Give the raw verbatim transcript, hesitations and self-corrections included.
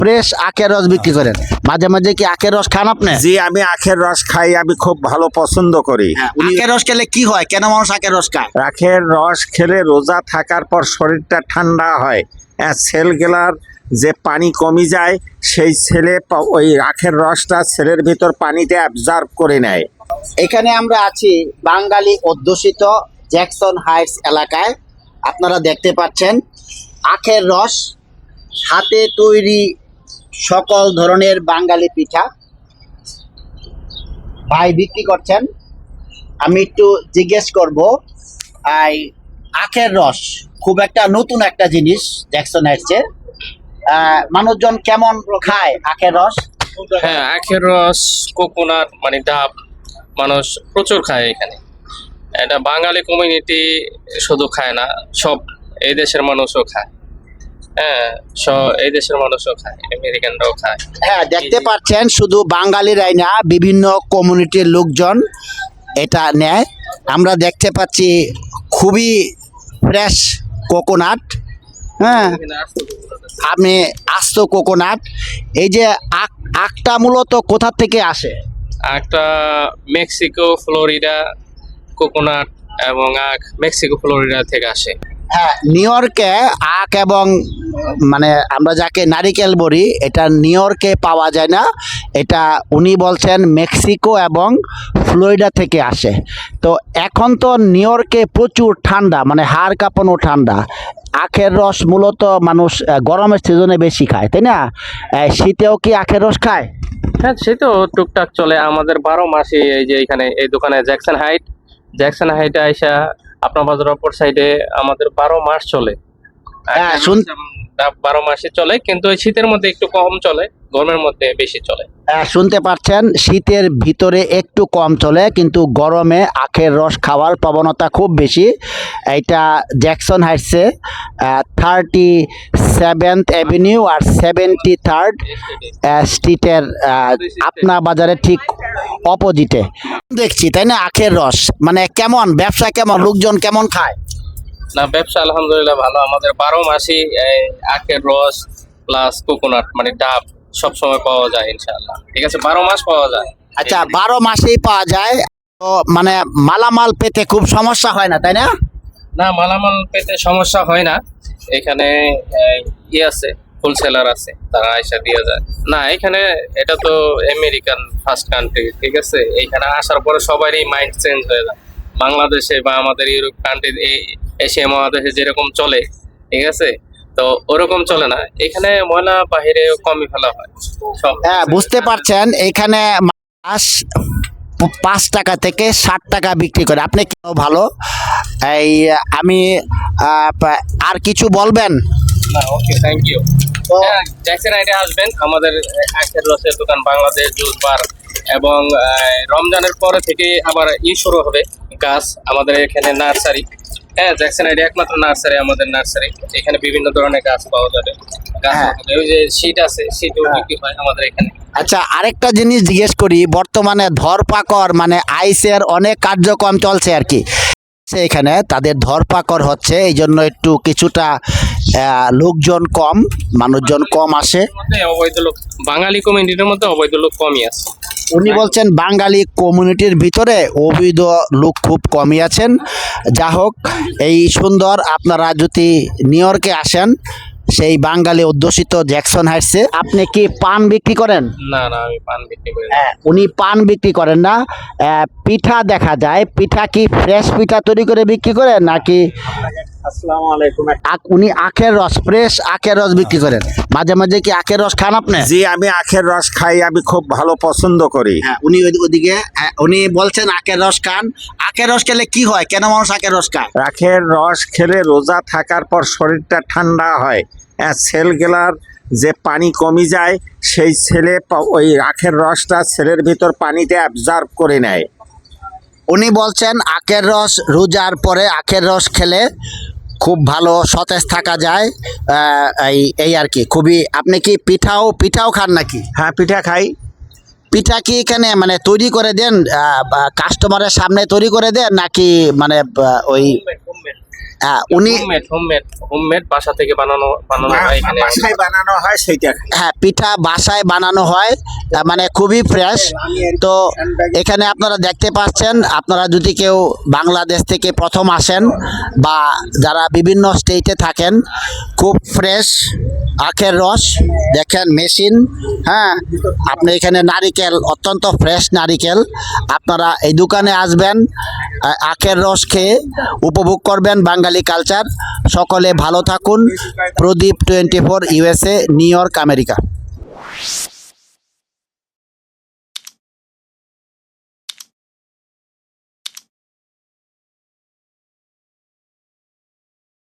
Fresh আখের রস বিক্রি করেন, মাঝে মাঝে কি আখের রস খান আপনি? জি, আমি আখের রস খাই, আমি খুব ভালো পছন্দ করি। আখের রস খেলে কি হয়, কেন মানুষ আখের রস খায়? আখের রস খেলে রোজা থাকার পর শরীরটা ঠান্ডা হয়, সেলগুলার যে পানি কমে যায়, সেই ছেলে ওই আখের রসটা ছেলের ভিতর পানিতে অ্যাবজর্ব করে নেয়। এখানে আমরা আছি বাঙালি অধ্যুষিত জ্যাকসন হাইটস এলাকায়। আপনারা দেখতে পাচ্ছেন আখের রস, হাতে তৈরি সকল ধরনের বাঙালি পিঠা ভাই বিক্রি করছেন। আমি একটু জিজ্ঞেস করব, এই আখের রস খুব একটা নতুন একটা জিনিস জ্যাকসন হাইটসে, মানুষজন কেমন খায় আখের রস? হ্যাঁ, আখের রস, কোকোনাট মানে ডাব মানুষ প্রচুর খায় এখানে। এটা বাঙালি কমিউনিটি শুধু খায় না, সব এই দেশের মানুষও খায়। হ্যাঁ, সব এই দেশের মানুষও খায়, আমেরিকানরাও খায়। হ্যাঁ, দেখতে পাচ্ছেন শুধু বাঙালিরাই না, বিভিন্ন কমিউনিটির লোকজন এটা নেয়। আমরা দেখতে পাচ্ছি খুবই ফ্রেশ কোকোনাট। হ্যাঁ, আমি আস্ত কোকোনাট। এই যে আখ, আখটা মূলত কোথা থেকে আসে? একটা মেক্সিকো, ফ্লোরিডা কোকোনাট এবং আখ মেক্সিকো, ফ্লোরিডা থেকে আসে। হ্যাঁ, নিউ ইয়র্কে আখ এবং মানে আমরা যাকে নারিকেল বলি, এটা নিউ ইয়র্কে পাওয়া যায় না, এটা উনি বলছেন মেক্সিকো এবং ফ্লোরিডা থেকে আসে। তো এখন তো নিউ ইয়র্কে প্রচুর ঠান্ডা, মানে হাড় কাঁপানো ঠান্ডা। আখের রস মূলত মানুষ আহ, গরমের সিজনে বেশি খায়, তাই না? আহ, শীতেও কি আখের রস খায়? হ্যাঁ, সে তো টুকটাক চলে আমাদের বারো মাসে। এই যে এখানে এই দোকানে জ্যাকসন হাইট, জ্যাকসন হাইটে আইসা আপনার বাজার অপর সাইডে আমাদের বারো মাস চলে। হ্যাঁ, শুন- বারো মাসে চলে, কিন্তু এই শীতের মধ্যে একটু কম চলে, গরমের মধ্যে বেশি চলে। আহ, শুনতে পাচ্ছেন, শীতের ভিতরে একটু কম চলে, কিন্তু গরমে আখের রস খাওয়ার প্রবণতা খুব বেশি। এটা জ্যাকসন হাইটসে থার্টি সেভেন্থ অ্যাভিনিউ আর সেভেন্টি থার্ড স্ট্রিটের আপনা বাজারে ঠিক অপোজিটে দেখছি, তাই না? আখের রস মানে কেমন ব্যবসা, কেমন লোকজন কেমন খায়? না, ব্যবসা আলহামদুলিল্লাহ ভালো। আমাদের বারো মাসে আখের রস প্লাস কোকোনাট মানে ডাব সব সময় পাওয়া যায় ইনশাআল্লাহ। ঠিক আছে, বারো মাস পাওয়া যায়। আচ্ছা, বারো মাসেই পাওয়া যায়, তো মানে মালামাল পেতে খুব সমস্যা হয় না, তাই না? না, মালামাল পেতে সমস্যা হয় না। এখানে ই আছে, হোলসেলার আছে, তারা আইসা দিয়ে যায়। না, এখানে এটা তো আমেরিকান ফার্স্ট কান্ট্রি, ঠিক আছে। এইখানে আসার পরে সবারই মাইন্ড চেঞ্জ হয়ে যায়। বাংলাদেশে বা আমাদের ইউরোপ কান্ট্রি, এশিয়া মহাদেশে যেরকম চলে, ঠিক আছে, তো ওরকম চলে না। এখানে ময়লা বাহিরে কমই ফেলা হয় সব। হ্যাঁ, বুঝতে পারছেন, এখানে মাছ পাঁচ টাকা থেকে ষাট টাকা বিক্রি করে। আপনি কেন ভালো, এই আমি আহ, আর কিছু বলবেন? না, ওকে, থ্যাংক ইউ। জ্যাকসন হাইটে আসবেন, আমাদের আখের রসের দোকান, বাংলাদেশ জুস বার, এবং আহ, রমজানের পরে থেকে আবার ই শুরু হবে গাছ, আমাদের এখানে নার্সারি। হ্যাঁ, জ্যাকসন হাইটে একমাত্র নার্সারি, আমাদের নার্সারি। এখানে বিভিন্ন ধরনের গাছ পাওয়া যাবে। গাছ হ্যাঁ। পাওয়া যাবে। ওই যে শীট আছে, শীটও বিক্রি হয় আমাদের এখানে। আচ্ছা, আরেকটা জিনিস জিজ্ঞেস করি, বর্তমানে ধরপাকড় মানে আইসের অনেক কার্যক্রম চলছে আর কি, এখানে তাদের ধরপাকড় হচ্ছে, এই জন্য একটু কিছুটা আহ, লোকজন কম, মানুষজন কম আসে। মধ্যে অবৈধ লোক, বাঙালি কমিউনিটির মধ্যে অবৈধ লোক কমই আছে। উনি বলছেন বাঙালি কমিউনিটির ভিতরে অবৈধ লোক খুব কমই আছেন। যা হোক, এই সুন্দর, আপনারা যদি নিউ ইয়র্কে আসেন সেই বাঙালি অধ্যুষিত জ্যাকসন হাইটসে, আপনি কি পান বিক্রি করেন? না না, আমি পান বিক্রি করি না। হ্যাঁ, উনি পান বিক্রি করেন না, আহ, পিঠা দেখা যায়। পিঠা কি ফ্রেশ পিঠা তৈরি করে বিক্রি করেন নাকি আসসালামু আলাইকুম। আখ- উনি আখের রস, ফ্রেশ আখের রস বিক্রি করেন, মাঝে মাঝে কি আখের রস খান আপনি? জি, আমি আখের রস খাই, আমি খুব ভালো পছন্দ করি। হ্যাঁ, উনি ওই- ওদিকে হ্যাঁ, উনি বলছেন আখের রস খান। আখের রস খেলে কি হয়, কেন মানুষ আখের রস খায়? আখের রস খেলে রোজা থাকার পর শরীরটা ঠান্ডা হয়, সেলগুলার যে পানি কমে যায়, সেই ছেলে ওই আখের রসটা ছেলের ভিতর পানিতে অ্যাবজর্ব করে নেয়। উনি বলছেন আখের রস রোজার পরে আখের রস খেলে খুব ভালো সতেজ থাকা যায়, আহ, এই এই আর কি। খুবই, আপনি কি পিঠাও পিঠাও খান নাকি? হ্যাঁ, পিঠা খাই। পিঠা কি এখানে মানে তৈরি করে দেন, কাস্টমারের সামনে তৈরি করে দেন নাকি মানে আহ, ওই হ্যাঁ, উনি হোমমেড হোমমেড হোমমেড বাসা থেকে বানানো বানানো হয় এখানে বাসায় বানানো হয় সেইটা খাই। হ্যাঁ পিঠা বাসায় বানানো হয়, আহ, মানে খুবই ফ্রেশ। তো এখানে আপনারা দেখতে পাচ্ছেন, আপনারা যদি কেউ বাংলাদেশ থেকে প্রথম আসেন বা যারা বিভিন্ন স্টেটে থাকেন, খুব ফ্রেশ আখের রস দেখেন মেশিন। হ্যাঁ, আপনি এখানে নারিকেল, অত্যন্ত ফ্রেশ নারিকেল। আপনারা এই দোকানে আসবেন, আহ, আখের রস খেয়ে উপভোগ করবেন বাঙালি কালচার। সকলে ভালো থাকুন। Pradeep twenty four USA, New York, America.